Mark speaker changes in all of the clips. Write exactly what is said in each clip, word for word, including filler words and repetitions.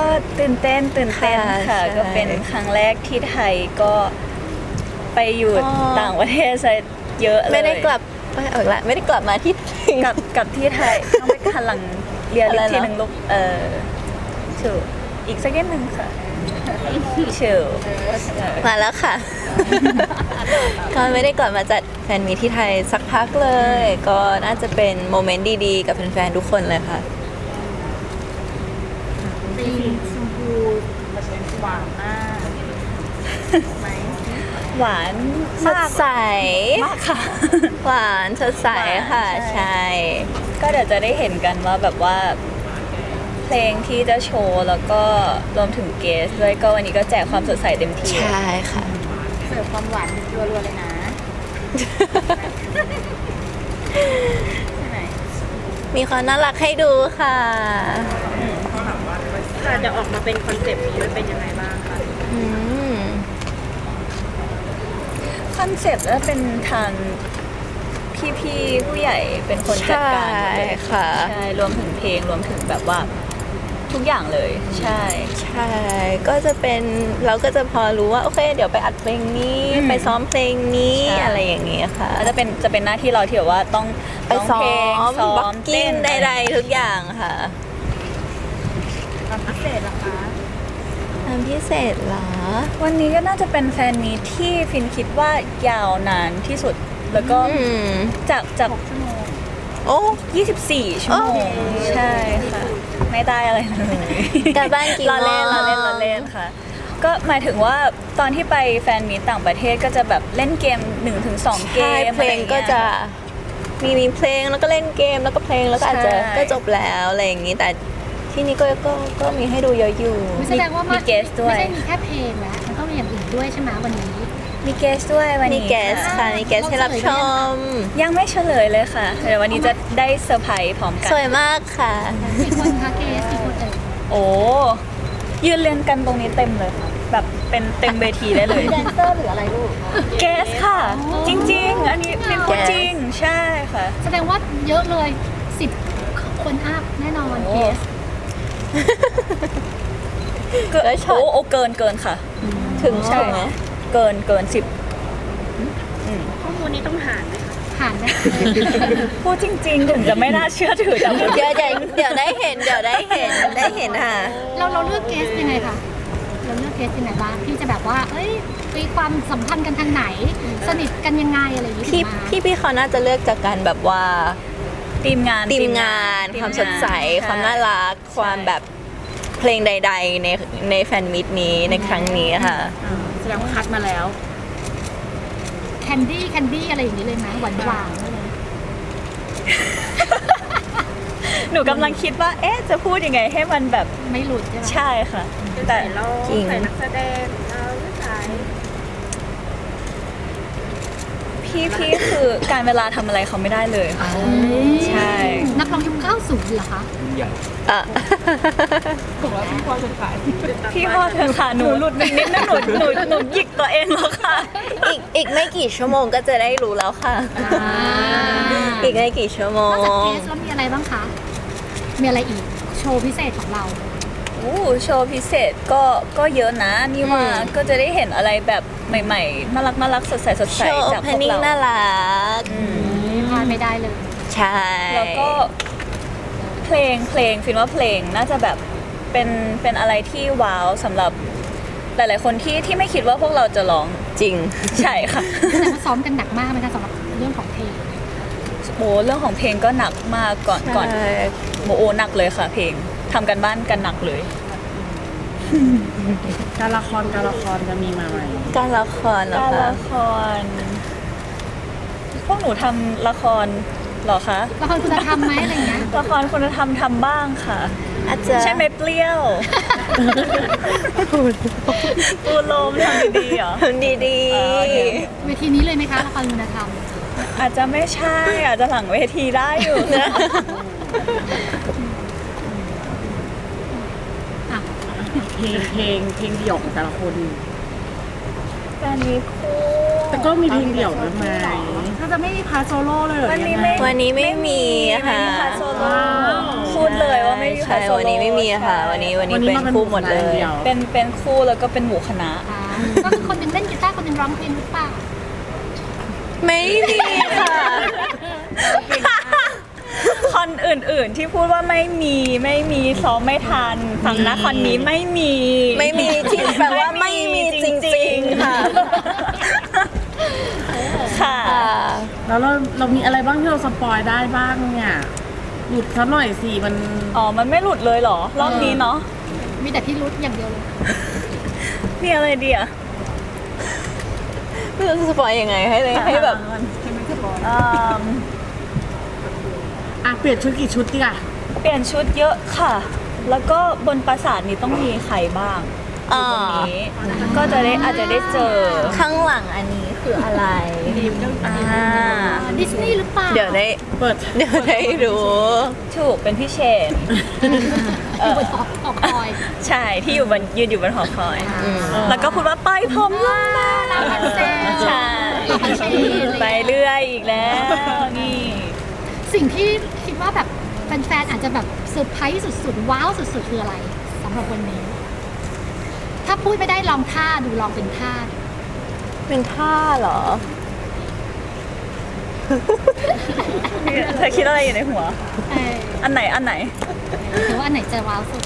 Speaker 1: ตื่นเต้นตื่นเต้นค่ะก็เป็นครั้งแรกที่ไทยก็ไปอยู่ต่างประเทศซะเยอะเลย
Speaker 2: ไม่ได้กลับไปเออละไม่ได้กลับมาที่
Speaker 1: กลับกลับที่ไทยต้องไปคันหลังเรียนอีกทีหนึ่งลูกเออถูกอีกสักนิดหนึ่งค่ะเชิญ
Speaker 2: มาแล้วค่ะ ก็ไม่ได้กลับมาจัดแฟนมีที่ไทยสักพักเลย ก็น่าจะเป็นโมเมนต์ดีๆกับแฟนๆทุกคนเลยค่ะ
Speaker 3: สีชมพูหวานมากไหม
Speaker 1: หวาน
Speaker 2: สดใส
Speaker 1: มากค่ะ
Speaker 2: หวานสดใสค่ะ
Speaker 1: หวานใช่
Speaker 2: ใช่
Speaker 1: ก็เดี๋ยวจะได้เห็นกันว่าแบบว่าเพลงที่จะโชว์แล้วก็รวมถึงเกสด้วยก็วันนี้ก็แจกความสดใสเต็มที่
Speaker 2: ใช่ค่ะ
Speaker 3: เสิร์ฟความหวานรัวๆเลยนะใช่ไหม
Speaker 2: มีความน่ารักให้ดูค่ะ
Speaker 3: แต่จะออกมาเป็นคอนเซปต์นี้มันเป็นยังไงบ้างคะ
Speaker 2: อืม
Speaker 1: คอนเซ็ปต์แล้วเป็นทางพี่ๆผู้ใหญ่เป็นคนจัดการหมดเลย
Speaker 2: ใช่ค่ะ
Speaker 1: ใช่รวมถึงเพลงรวมถึงแบบว่าทุกอย่างเลยใช่
Speaker 2: ใช่ ก็จะเป็นเราก็จะพอรู้ว่าโอเค เดี๋ยวไปอัดเพลงนี้
Speaker 1: อืม
Speaker 2: ไปซ้อมเพลงนี้
Speaker 1: ใช่
Speaker 2: อะไรอย่างเงี้ยค่ะ
Speaker 1: แล้วจะเป็นจะเป็นหน้าที่เราที่แบบว่าต้อง
Speaker 2: ไปซ้อ
Speaker 1: ร้งเพลง
Speaker 2: ม
Speaker 1: ซ้อบ
Speaker 2: ล็อก
Speaker 1: ม
Speaker 2: กิ้ง
Speaker 1: เต้น
Speaker 2: ใดๆทุกอย่างค่ะ
Speaker 3: ความพิเศษล่ะคะ
Speaker 2: ทำพิเศษเหรอ
Speaker 1: วันนี้ก็น่าจะเป็นแฟนมีตที่ฟินคิดว่ายาวนานที่สุดแล้วก็
Speaker 2: อืม
Speaker 1: จากจาก
Speaker 3: ชั่วโมง
Speaker 2: โอ้
Speaker 1: ยี่สิบสี่ ชั่วโมง
Speaker 2: โอ้
Speaker 1: ใช่ค่ะ ไม่ได้อะไรเลย
Speaker 2: การบ้านกี่
Speaker 1: ล้อเล่น
Speaker 2: โมง
Speaker 1: ล้อเล่นล้อเล่นค่ะ ก็หมายถึงว่าตอนที่ไปแฟนมีตต่างประเทศก็จะแบบเล่นเกม หนึ่งถึงสอง เก
Speaker 2: ใช่
Speaker 1: ม
Speaker 2: เพลงก็จะมีมีเพลงแล้วก็เล่นเกมแล้วก็เพลงแล้วก็อาจจะ
Speaker 1: ใช่
Speaker 2: ก็จบแล้วอะไรอย่างงี้แต่ที่นี่ก็ก็ก็มีให้ดูเยอะอยู่
Speaker 4: ไม่แสดงว่า
Speaker 1: มี
Speaker 4: มี
Speaker 1: เกสด้วย
Speaker 4: ไม่ใช่มีแค่เพลงแล้วมันต้องมีอย่างอื่นด้วยใช่ไหมวันนี้
Speaker 1: มีเกสด้วยวัน
Speaker 2: มี
Speaker 1: นี้
Speaker 2: แกส
Speaker 1: ค่ะ
Speaker 2: ค่ะมีแกสให้รับชม
Speaker 1: ยังไม่เฉลยเลยค่ะเดี๋ยววันนี้จะได้เซอร์ไพรส์พร้อมกัน
Speaker 2: สวยมากค่ะ
Speaker 4: กี่คนคะเกสกี่คนเอ่ย
Speaker 1: โอ้ยืนเรียงกันตรงนี้เต็มเลยค่ะแบบเป็นเต็มเวทีได้เลย
Speaker 3: แดนเซอร์หรืออะไรลูก
Speaker 1: เกสค่ะ จริง ๆ อันนี้เป็นพูดจริงใช่ค่ะ
Speaker 4: แสดงว่าเยอะเลยสิบคนอัพแน่นอน
Speaker 1: โอ้
Speaker 4: เกส
Speaker 1: เกิน
Speaker 2: แล้วช็อต
Speaker 1: โอ้โอ้เกินเกินค่ะ
Speaker 2: ถึง
Speaker 1: ใช่
Speaker 2: ใช่ไหม
Speaker 1: เกินเกินสิบ
Speaker 3: ข้อมูลนี้ต้องหารไหมคะ
Speaker 4: ผ่านไหม
Speaker 1: พูดจริง ๆ ถึงจะไม่น่าเชื่อถือแต่พูด
Speaker 2: เดี๋ยวเดี๋ยวเดี๋ยวได้เห็นเดี๋ยวได้เห็นได้เห็นค่ะ
Speaker 4: เราเราเลือกเกสยังไงคะเราเลือกเกสยังไงบ้างที่จะแบบว่า เอ้ยมีความสัมพันธ์กันทางไหน สนิทกันยังไงอะไรอย่างนี้
Speaker 2: พี่
Speaker 4: ถึงมา
Speaker 2: พี่พี่เขาน่าจะเลือกจากการแบบว่า
Speaker 1: ทีมงาน
Speaker 2: ทีมงาน
Speaker 1: ที
Speaker 2: ความสดใส
Speaker 1: ช่
Speaker 2: ความน่ารัก ความแบบเพลงใด ๆ ในในแฟนมิตนี้ในครั้งนี้ค่ะ
Speaker 3: แสดงว่าคัดมาแล้ว
Speaker 4: แคนดี้แคนดี้อะไรอย่างนี้เลยไหมหวานหวานๆอะไร
Speaker 1: หนูกำลังคิดว่า เอ๊ะ จะพูดยังไงให้มันแบบ
Speaker 4: ไม่หลุดใช่ไหม
Speaker 1: ใช่ค่ะ แต่
Speaker 3: เรา
Speaker 2: จริง
Speaker 3: ใส่นักแสดงเราใส่
Speaker 1: พี่พี่คือการเวลาทำอะไรเขาไม่ได้เลยค่ะ ใช่
Speaker 4: นักร้องยุคเก้าสิบเหรอคะ
Speaker 2: อ่ะ
Speaker 1: พี่พ่อเธอค่ะหนูหลุดนิดนิดนะหนูหนูหนูหยิกตัวเองแล้วค่ะ
Speaker 2: อีกอีกไม่กี่ชั่วโมงก็จะได้รู้แล้วค่ะ อีกไม่กี่ชั่วโม
Speaker 4: นอกจาก
Speaker 2: ง
Speaker 4: เกสแล้วมีอะไรบ้างคะ มีอะไรอีก โชว์พิเศษของเรา
Speaker 1: อู้โชว์พิเศษก็ก็เยอะนะนี่ว่า
Speaker 2: อืม
Speaker 1: ก็จะได้เห็นอะไรแบบใหม่ๆน่ารักน่ารักสดใสสด
Speaker 2: โช
Speaker 1: ใส
Speaker 2: ว์
Speaker 1: จาก
Speaker 2: เพ
Speaker 1: พวน ก
Speaker 2: นิ่ง
Speaker 1: เรา
Speaker 2: น่ารัก
Speaker 1: อืม
Speaker 4: พลาดไม่ได้เลย
Speaker 2: ใช่
Speaker 1: แล้วก็เพลงเพลงฟินว่าเพลงน่าจะแบบเป็นเป็นอะไรที่ว้าวสำหรับหลาย ๆ คนที่ที่ไม่คิดว่าพวกเราจะร้อง
Speaker 2: จริง
Speaker 1: ใช่ค่ะ
Speaker 4: แสดงว่าซ้อมกันหนักมากไหมคะสำหรับเรื่องของเพลง
Speaker 1: โอ้เรื่องของเพลงก็หนักมากก่อนก่อน
Speaker 2: ใช่
Speaker 1: โมโอหนักเลยค่ะ เพลงทำกันบ้านกันหนักเลย
Speaker 3: การละครการละครจะมีมาไหม
Speaker 2: การละครเหรอ
Speaker 1: การ
Speaker 2: คะ
Speaker 1: ละคร พวกหนูทำละครเหรอคะ
Speaker 4: ละครคุณธรรมไหมอะไรอย่างเงี้ย
Speaker 1: ละครคุณธรรมทำบ้างค่ะ
Speaker 2: อาจจะ
Speaker 1: ใช่ไหมเปรี้ยว ปูโลมทำดีๆเหรอ
Speaker 2: ทำดี
Speaker 1: อ๋อเดี๋ยว
Speaker 4: เวทีนี้เลยไหมคะละครคุณธรรม
Speaker 1: อาจจะไม่ใช่ อาจจะหลังเวทีได้อยู่นะ
Speaker 4: อ่ะ
Speaker 3: เพลงเพลงเพลงเดี่ยวของแต่ละคน
Speaker 1: การมีคู่
Speaker 3: แต่ก็มีเพลงเดี่ยวด้วยไหมถ้าจะไม่มีพาร์ทโซโล่เลยเหรอ
Speaker 1: วันนี้
Speaker 3: ยัง
Speaker 1: ไม่
Speaker 3: ไง
Speaker 2: วันนี้ไม่มีค่ะ
Speaker 1: ไม่มีพาร์ทโซโล่
Speaker 3: ว้าว
Speaker 1: พูดเลยว่าไม่มีพา
Speaker 2: ใช่
Speaker 1: ร์ทโซโล่
Speaker 2: วันนี้ไม่มีค่ะ
Speaker 1: ใช่
Speaker 2: วันนี้วันนี้
Speaker 3: วันนี้
Speaker 2: เป็น
Speaker 3: มาเป็น
Speaker 2: คู่หมดเลย
Speaker 3: เดี่ยว
Speaker 1: เป็นเป็นคู่แล้วก็เป็นหมู่คณะ
Speaker 4: อ่าก็คือคนหนึงเล่นกีตาร์คนหนึงร้องเพลงหรือเปล่า
Speaker 2: ไม่มีค่ะ
Speaker 1: คอนอื่นๆที่พูดว่าไม่มีไม่มีซ้อมไม่ทันฝั่งนะคอนนี้ไม่มี
Speaker 2: ไม่มีที่แปลว่าไม่มีจริงๆค่ะ
Speaker 1: ค่ะ
Speaker 3: แล้วเราเรามีอะไรบ้างที่เราสปอยได้บ้างเนี่ยหยุดสักหน่อยสิมัน
Speaker 1: อ๋อ มันไม่หลุดเลยเหรอ รอบนี้เนาะ
Speaker 4: มีแต่พี่รุธอย่างเดียวเลย
Speaker 1: มีอะไรดีอะ
Speaker 2: ไม่รู้จะสปอยยังไงให้เลยให้แบบ
Speaker 1: อืม
Speaker 3: อ่ะเปลี่ยนชุดกี่ชุดดีอ่ะ
Speaker 1: เปลี่ยนชุดเยอะค่ะ แล้วก็บนปราสาทนี้ต้องมีใครบ้างอยู่บนนี้ ก็จะได้อาจจะได้เจอ
Speaker 2: ข้างหลังอันนี้คืออะไร
Speaker 1: อ่า
Speaker 4: ดิสนีย์หรือเปล่า
Speaker 2: เดี๋ยวได้
Speaker 3: เปิด
Speaker 2: เดี๋ยวได้รู้
Speaker 1: ถูกเป็นพี่เชน เอ
Speaker 4: อยู่
Speaker 1: อบ
Speaker 4: นหอหอคอย
Speaker 1: ใช่ที่อยู่บนยืนอยู่บนหอคอย
Speaker 2: อืม
Speaker 1: แล้วก็พูดว่าปล่อยผมลงมา
Speaker 4: ลาพันเซล
Speaker 1: ใช่
Speaker 4: ลาพันเซล
Speaker 1: ไปเรื่อยอีกแล้ว นี่
Speaker 4: สิ่งที่คิดว่าแบบแฟนๆอาจจะแบบเซอร์ไพรส์สุดๆ ว้าวสุดๆ คืออะไรสำหรับวันนี้ ถ้าพูดไม่ได้ลองท่าดูลองเป็นท่า
Speaker 2: เป็นท่าเหรอ
Speaker 1: เธอคิดอะไรอยู่ในหัว
Speaker 4: เออ
Speaker 1: อันไหนอันไหน
Speaker 4: หรือว่าอันไหนจะว้าวสุด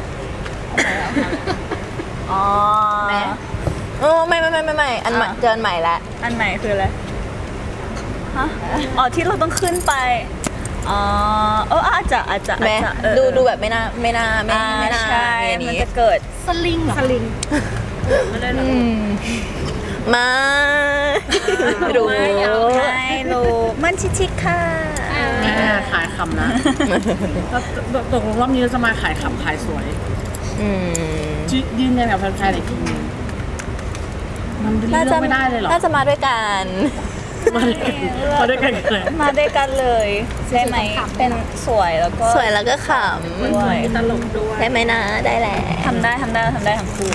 Speaker 1: อ๋อ
Speaker 2: แม่ โอ้ไม่ไม่ไม่ไม่ไม่อันใหม่
Speaker 1: อ่ะ
Speaker 2: เกินใหม่ละ
Speaker 1: อันไหนคืออะไร ฮะ อ๋อที่เราต้องขึ้นไป อ๋อ เอออาจจะอาจจะอาจ
Speaker 2: แม่
Speaker 1: จะเออ
Speaker 2: ดูดูแบบไม่น่าไม่น่าไม่
Speaker 1: อ่า
Speaker 2: ไม่น่า
Speaker 1: ใช่
Speaker 2: มีอัน
Speaker 1: มัน
Speaker 2: นี้
Speaker 1: จะเกิด
Speaker 4: สลิงเหรอ
Speaker 3: สลิง
Speaker 2: อืมมารู้
Speaker 1: ไม่รู้มันชิชิค่ะ
Speaker 3: แม่ขายคำนะแล้วตกลงรอบนี้เราจะมาขายคำขายสวย
Speaker 2: อืม
Speaker 3: ยืยืนยันกับแฟนๆอีกทีนึงมันเลื
Speaker 2: น่า
Speaker 3: อ
Speaker 2: จะ
Speaker 3: กไม่ได้เลยเหรอ
Speaker 2: น่าจะมาด้วยกัน
Speaker 3: มาด้วยกันมาด้วยกันเลย
Speaker 1: มาด้วยกันเลยได้ไหมเป็นสวยแล้วก็
Speaker 2: สวยแล้วก็ข
Speaker 1: ด้วย
Speaker 3: ตลกด้วย
Speaker 2: ำได้ไหมนะได้แหละ
Speaker 1: ทำได้ทำได้ทำได้ทั้งคู่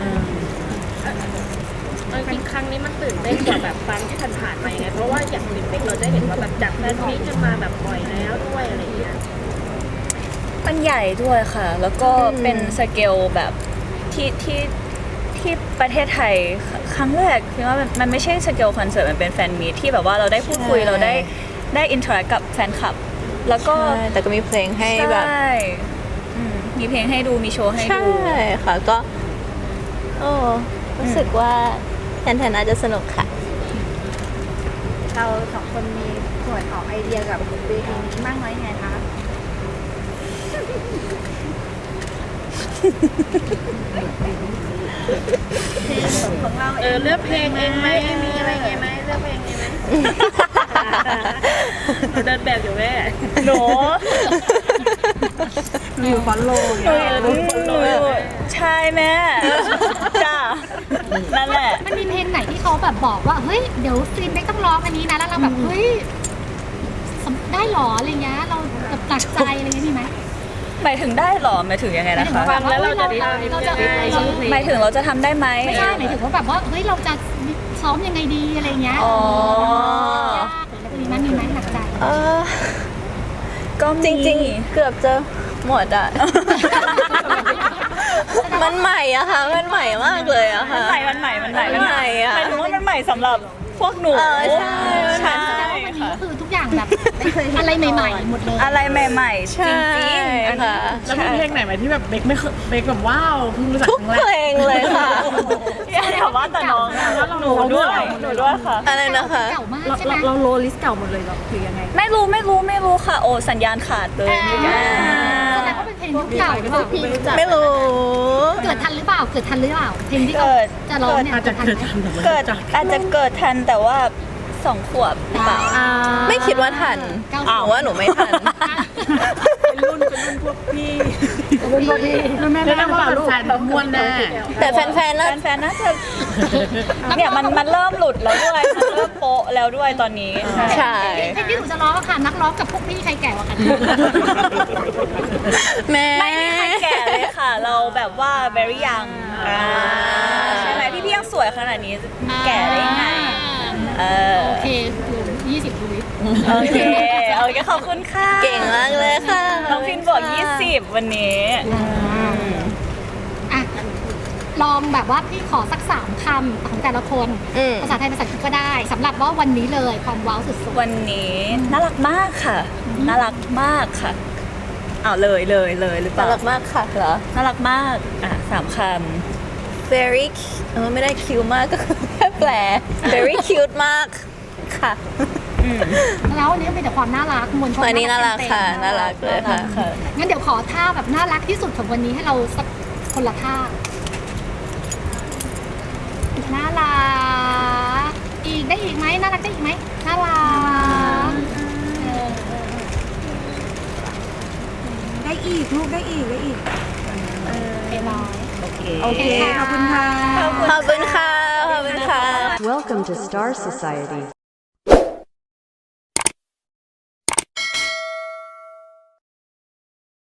Speaker 5: เออจริงๆครั้งนี้มันตื่นเต้นกว่าแบบครั้งที่ผ่านๆมายังไงเพราะว่าอย่างลิมปิกเราได้เห็นว่าแบบจากแฟนมีตจะมาแบบบ่อยแล้วด้วยอะไรอย่างเงี้ย
Speaker 1: มันใหญ่ด้วยค่ะ แล้วก็เป็นสเกลแบบที่ที่ที่ประเทศไทยครั้งแรกคือว่ามันมันไม่ใช่สเกลคอนเสิร์ตมันเป็นแฟนมีตที่แบบว่าเราได้พูดคุยเราได้ได้อินเทอร์แอคกับแฟนคลับ แล้วก็
Speaker 2: ใช่แต่ก็มีเพลงให้แบบ
Speaker 1: ใช่อืมมีเพลงให้ดูมีโชว์ให้
Speaker 2: ใช่
Speaker 1: ดู
Speaker 2: ค่ะก็ โอ้รู้สึกว่าแทนแทนน่าจะสนุกค่ะ
Speaker 3: เราสองคนมีส่วนออกไอเดียกับเวทีนี้มากน้อยไงคะ
Speaker 1: ของเรา
Speaker 5: เออเลือกเพลงเองไหมมีอะไรเงี้ยไหมเลือกเพลงเองไหมหนูเดินแบบอยู่แม่
Speaker 1: หนู
Speaker 3: มีอยู่ฟอนโล
Speaker 1: หนูหนูใช่แม่จ้านั่นแหละ
Speaker 4: มันมีเพลงไหนที่เขาแบบบอกว่า เฮ้ย เดี๋ยวซีนไม่ต้องร้องอันนี้นะ แล้วเราแบบ เฮ้ยสำได้หรออะไรเงี้ย เราแบบตักใจอะไรเงี้ยมีไหม
Speaker 1: หมายถึงได้เหรอหมายถึงยังไงนะคะ
Speaker 5: ฟังแล้วเราจะได้
Speaker 4: เราจะ
Speaker 5: ได้
Speaker 4: เรา
Speaker 1: หมายถึงเราจะทำได้ไหม
Speaker 4: ไม่ใช่หมายถึงว่าแบบว่า เฮ้ย เราจะซ้อมยังไงดีอะไรเงี้ย
Speaker 1: อ๋อ
Speaker 4: ยากหรืออะไรมีไหมมีไหมหนักใจ
Speaker 2: เออ
Speaker 1: ก็
Speaker 2: จ
Speaker 1: มี
Speaker 2: ริงๆ เกือบจะหมดอ่ะ มันใหม่อะค่ะ มันใหม่มากเลยอะ
Speaker 1: มั
Speaker 2: ค่ะ
Speaker 1: นใหม่มันใหม่มันใหม่
Speaker 2: มันใหม่อะ
Speaker 1: หมายถึงว่ามันใหม่สำหรับพวกหนู
Speaker 2: เออใช่
Speaker 1: ใช่
Speaker 4: แสดงว่าวันนี้
Speaker 1: ค่ะ
Speaker 4: ก็คือทุกอย่างแบบอะไรใหม่ๆหมดเลย
Speaker 1: อะไรใหม่ๆ จ
Speaker 2: ใช่
Speaker 1: ริงๆอันนี้
Speaker 2: ค่ะ
Speaker 3: แล้วมีเพลงไหนไหมที่แบบเบกไม่เคยเบกแบบว้าวเพิ่งรู้จัก
Speaker 2: ทุก
Speaker 3: ครั้งแร
Speaker 2: เพล
Speaker 3: ก
Speaker 2: งเลยค่ะ
Speaker 1: อย่าถามว่าแต่น้องอะหนูด้วยหนูด้วยค่ะ
Speaker 2: อะไรนะคะ
Speaker 4: เก่ามาก
Speaker 3: เรา
Speaker 4: ใช่ไหม
Speaker 3: เราเราโลลิสเก่าหมดเลยเหรอหรือยังไง
Speaker 1: ไม่รู้ไม่รู้ไม่รู้ค่ะ โอ้สัญญาณขาดเลย
Speaker 4: อ่า
Speaker 1: เมื่อกี้
Speaker 4: แสดงว่าเป็นเพลงยุคเก่าหรือเปล่า
Speaker 2: ไม่รู้
Speaker 4: เกิดทันหรือเปล่า เกิดทันหรือเปล่า เพลงที่เขา
Speaker 1: เกิด
Speaker 4: จะร้องเนี่ย
Speaker 3: อาจจะ
Speaker 4: ทัน
Speaker 3: เกิด
Speaker 4: ไหม
Speaker 3: ทันแต่ไม่
Speaker 1: เกิด
Speaker 3: รู้จัก
Speaker 1: อาจจะเกิดทันแต่ว่าสองขวบหรือเปล่า
Speaker 4: อ่า
Speaker 2: ไม่คิดว่าทัน
Speaker 4: เก้า
Speaker 2: หนูว่าหนูไม่ทัน
Speaker 3: เป็นรุ่นเป็นรุ่นพวกพี่รุ่นพวกพี่แม่แม่ว่าแฟนๆม้วนแน่
Speaker 2: แต่แฟนๆน่า
Speaker 1: แฟนๆน่าจะเนี่ยมันมันเริ่มหลุดแล้วด้วยมันเริ่มโป๊ะแล้วด้วยตอนนี้ใช่
Speaker 2: ใช่
Speaker 4: เพลงที่หนูจะร้องอะค่ะ นักร้องกับพวกพี่ใครแก่กว่ากัน
Speaker 2: แม่
Speaker 1: ไม่มีใครแก่เลยค่ะ เราแบบว่า very young อ่าใช่ไหมพี่พี่ยังสวยขนาดนี้จะแก่ได้ยังไง
Speaker 4: อ่า
Speaker 1: เออ
Speaker 4: โอเคเหลือยี่สิบทวิต
Speaker 1: โอเคโอเคขอบคุณค่ะ
Speaker 2: เก่งมากเลยค่ะ
Speaker 1: น้องพินบอก ยี่สิบ วันนี้
Speaker 4: อ่ะลองแบบว่าพี่ขอสักสามคำของแต่ละคน
Speaker 2: อืม
Speaker 4: ภาษาไทยภาษาอังกฤษก็ได้สำหรับว่าวันนี้เลยความว้าวสุด
Speaker 1: วันนี้น่ารักมากค่ะ น่ารักมากค่ะเอาเลยเลยเลยหรือเป
Speaker 2: น่า
Speaker 1: ล่า
Speaker 2: รักมากค่ะเหรอ
Speaker 1: น่ารักมากอ่ะสามค
Speaker 2: very cu- เออไม่ได้คิวมากก็คือแค่แปล very cute มากค่ะ
Speaker 1: ำอืม
Speaker 4: ๆแล้ววันนี้เป็นแต่ความน่ารักมวลชน
Speaker 2: วันนี้น่ารักค่ะ
Speaker 4: เต็มๆ
Speaker 2: น่ารักเลยค่ะ
Speaker 1: ค่ะ
Speaker 4: งั้นเดี๋ยวขอท่าแบบน่ารักที่สุดของวันนี้ให้เราสักคนละท่าน่ารักอีกได้อีกไหมน่ารักได้อีกไหมน่ารักเออ
Speaker 3: ได้อีกลูกได้อีกได้อีก
Speaker 4: เรียบร้อย
Speaker 1: โอเค
Speaker 3: โอเค ขอบคุณค่ะ
Speaker 2: ขอบคุณค่ะ ขอบคุณค่ะ
Speaker 6: Welcome to Star Society.